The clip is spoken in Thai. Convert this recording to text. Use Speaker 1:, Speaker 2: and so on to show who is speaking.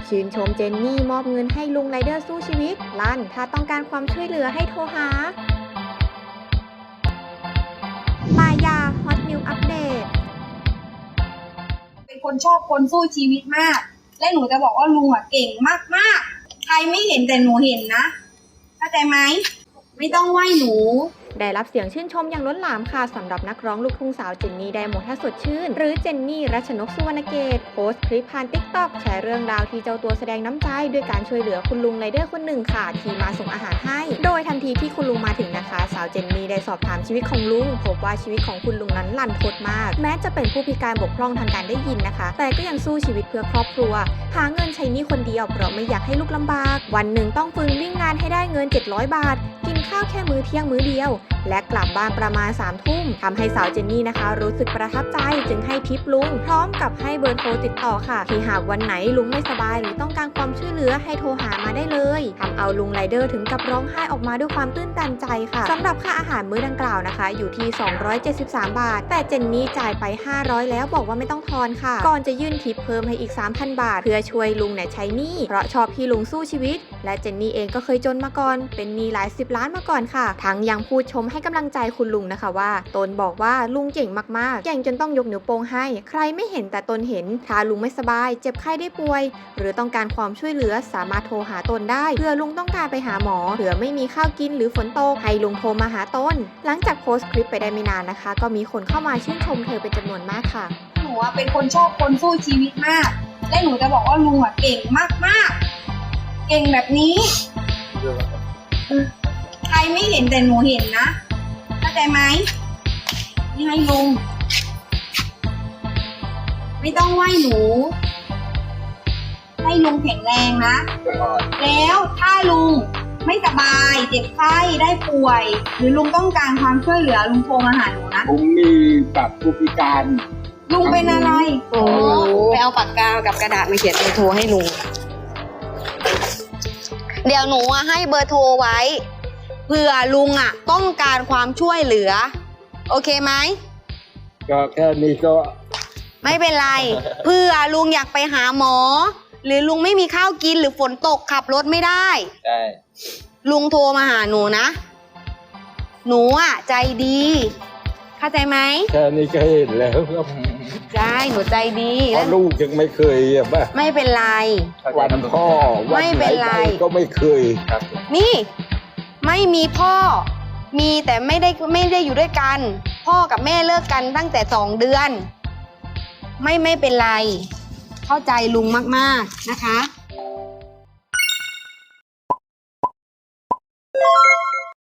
Speaker 1: ชื่นชมเจนนี่มอบเงินให้ลุงไรเดอร์สู้ชีวิตลั่นถ้าต้องการความช่วยเหลือให้โทรหาปายาฮอตนิวอัปเดต
Speaker 2: เป็นคนชอบคนสู้ชีวิตมากและหนูจะบอกว่าลุงเก่งมากๆใครไม่เห็นแต่หนูเห็นนะเข้าใจไหมไม่ต้องไหว้หนู
Speaker 1: ได้รับเสียงชื่นชมอย่างล้นหลามค่ะสำหรับนักร้องลูกทุ่งสาวเจนนี่ไดโมท่าสดชื่นหรือเจนนี่รัชนกสุวรรณเกตโพสต์คลิปผ่าน TikTok แชร์เรื่องราวที่เจ้าตัวแสดงน้ำใจด้วยการช่วยเหลือคุณลุงไรเดอร์คนหนึ่งค่ะที่มาส่งอาหารให้โดยทันทีที่คุณลุงมาถึงนะคะสาวเจนนี่ได้สอบถามชีวิตของลุงพบว่าชีวิตของคุณลุงนั้นลั่นทดมากแม้จะเป็นผู้พิการบกพร่องทางการได้ยินนะคะแต่ก็ยังสู้ชีวิตเพื่อครอบครัวหาเงินใช้หนี้คนเดียวเพราะไม่อยากให้ลูกลำบากวันหนึ่งต้องฝืนวิ่งงานให้ได้เงิน700 บาทกินข้าวแค่มื้อเที่ยงมื้อเดียวและกลับบ้านประมาณ3 ทุ่มทำให้สาวเจนนี่นะคะรู้สึกประทับใจจึงให้ทิปลุงพร้อมกับให้เบอร์โทรติดต่อค่ะที่หากวันไหนลุงไม่สบายหรือต้องการความช่วยเหลือให้โทรหามาได้เลยทำเอาลุงไรเดอร์ถึงกับร้องไห้ออกมาด้วยความตื้นตันใจค่ะสำหรับค่าอาหารมื้อดังกล่าวนะคะอยู่ที่273 บาทแต่เจนนี่จ่ายไป500แล้วบอกว่าไม่ต้องทอนค่ะก่อนจะยื่นทิปเพิ่มให้อีก 3,000 บาทเพื่อช่วยลุงใช้หนี้เพราะชอบที่ลุงสู้ชีวิตและเจนนี่เองก็เคยจนมาก่อนเป็นหนี้หลาย10 ล้านมาก่อนค่ะทั้งยังพูดชมให้กำลังใจคุณลุงนะคะว่าตนบอกว่าลุงเก่งมากๆเก่งจนต้องยกนิ้วโป้งให้ใครไม่เห็นแต่ตนเห็นถ้าลุงไม่สบายเจ็บไข้ได้ป่วยหรือต้องการความช่วยเหลือสามารถโทรหาตนได้เผื่อลุงต้องการไปหาหมอเผื่อไม่มีข้าวกินหรือฝนตกให้ลุงโทรมาหาตนหลังจากโพสต์คลิปไปได้ไม่นานนะคะก็มีคนเข้ามาชื่นชมเธอเป็นจำนวนมากค่ะ
Speaker 2: หนูเป็นคนชอบคนสู้ชีวิตมากและหนูจะบอกว่าลุงเก่งมากๆเก่งแบบนี้ใครไม่เห็นแต่หนูเห็นนะเข้าใจไหมนี่ให้ลุงไม่ต้องไหว้หนูให้ลุงแข็งแรงนะแล้วถ้าลุงไม่สบายเจ็บไข้ได้ป่วยหรือลุงต้องการความช่วยเหลือลุงโทรมาหาหนูนะ
Speaker 3: ผมมีบัตรผู้พิการ
Speaker 2: ลุงเป็นอะไร
Speaker 4: โอ้ไปเอาปากกากับกระดาษมาเขียนเบอร์โทรให้ลุงเดี๋ยวหนูให้เบอร์โทรไว้เผื่อลุงต้องการความช่วยเหลือโอเคไหม
Speaker 3: ก็แค่นี้ก็
Speaker 4: ไม่เป็นไรเผื่อลุงอยากไปหาหมอหรือลุงไม่มีข้าวกินหรือฝนตกขับรถไม่ได้
Speaker 3: ใช่
Speaker 4: ลุงโทรมาหาหนูนะหนูใจดีเข้าใจไหม
Speaker 3: แค่นี้ก็เห็นแล้วครับ
Speaker 4: ใช่หนูใจดี
Speaker 3: เพราะลูกยังไม่เคยป่ะ
Speaker 4: ไม่เป็นไร
Speaker 3: วันพ่อ
Speaker 4: ไม่เป็นไร
Speaker 3: ก็ไม่เคยครับ
Speaker 4: นี่ไม่มีพ่อมีแต่ไม่ได้อยู่ด้วยกันพ่อกับแม่เลิกกันตั้งแต่2 เดือนไม่เป็นไรเข้าใจลุงมากๆนะคะ